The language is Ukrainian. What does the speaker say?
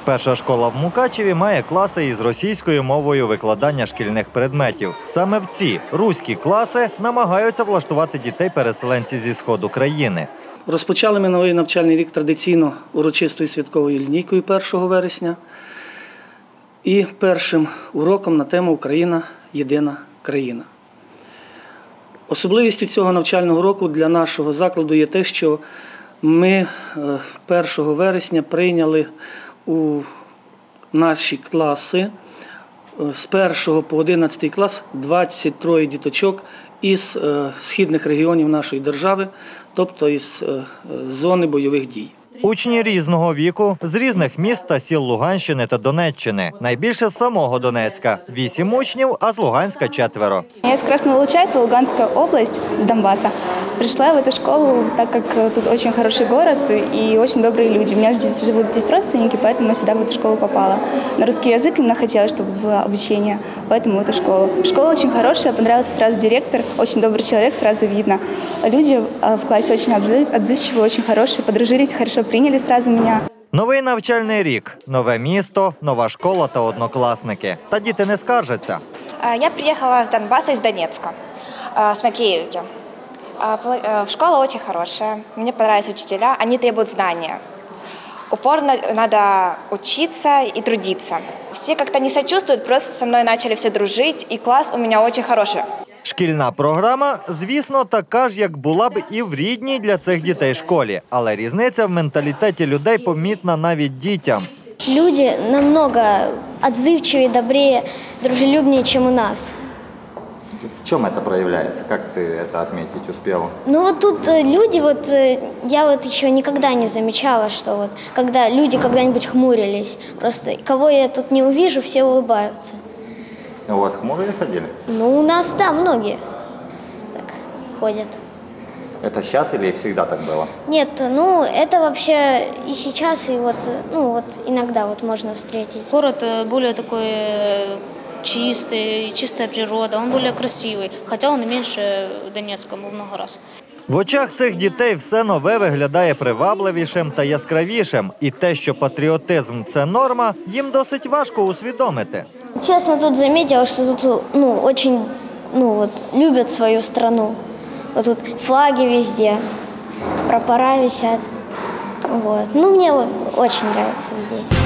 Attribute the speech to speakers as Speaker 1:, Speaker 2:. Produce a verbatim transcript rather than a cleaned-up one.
Speaker 1: Перша школа в Мукачеві має класи із російською мовою викладання шкільних предметів. Саме в ці руські класи намагаються влаштувати дітей-переселенці зі сходу країни.
Speaker 2: Розпочали ми новий навчальний рік традиційно урочистою святковою лінійкою першого вересня і першим уроком на тему «Україна – єдина країна». Особливістю цього навчального року для нашого закладу є те, що ми першого вересня прийняли у наші класи з першого по одинадцятий клас двадцять троє діточок із східних регіонів нашої держави, тобто із зони бойових дій.
Speaker 1: Учні різного віку, з різних міст та сіл Луганщини та Донеччини. Найбільше з самого Донецька – вісім учнів, а з Луганська – четверо.
Speaker 3: Я из Красного Луча, это Луганская область, с Донбасса. Пришла в эту школу, так как тут очень хороший город и очень добрые люди. У меня здесь живут здесь родственники, поэтому я сюда в эту школу попала. На русский язык именно хотела, чтобы было обучение, поэтому в эту школу. Школа очень хорошая, понравился сразу директор, очень добрый человек, сразу видно. Люди в классе очень отзывчивые, очень хорошие, подружились, хорошо приняли сразу меня.
Speaker 1: Новий навчальний рік, нове місто, нова школа та однокласники. Та діти не скаржаться.
Speaker 4: Я приехала с Донбасса, из Донецка, с Макеевки. Школа очень хорошая, мне понравились учителя, они требуют знания. Упорно надо учиться и трудиться. Все как-то не сочувствуют, просто со мной начали все дружить, и класс у меня очень хороший.
Speaker 1: Шкільна програма, звісно, така ж, як була б і в рідній для цих дітей школі. Але різниця в менталітеті людей помітна навіть дітям.
Speaker 5: Люди намного отзывчивее, добрее, дружелюбнее, чем у нас.
Speaker 1: В чем это проявляется? Как ты это отметить успела?
Speaker 5: Ну вот тут люди, вот я вот еще никогда не замечала, что вот когда люди когда-нибудь хмурились. Просто кого я тут не увижу, все улыбаются.
Speaker 1: У вас хмурые ходили?
Speaker 5: Ну, у нас, да, многие так ходят.
Speaker 1: Это сейчас или всегда так было?
Speaker 5: Нет, ну, это вообще и сейчас, и вот, ну, вот иногда вот можно встретить.
Speaker 6: Город более такой чистый, чистая природа, он более красивый, хотя он и меньше Донецка в много раз.
Speaker 1: В очах цих дітей все нове виглядає привабливішим та яскравішим. І те, що патріотизм – це норма, їм досить важко усвідомити.
Speaker 5: Честно, тут заметила, что тут ну, очень ну, вот, любят свою страну. Вот тут флаги везде, прапора висят. Вот. Ну, мне очень нравится здесь.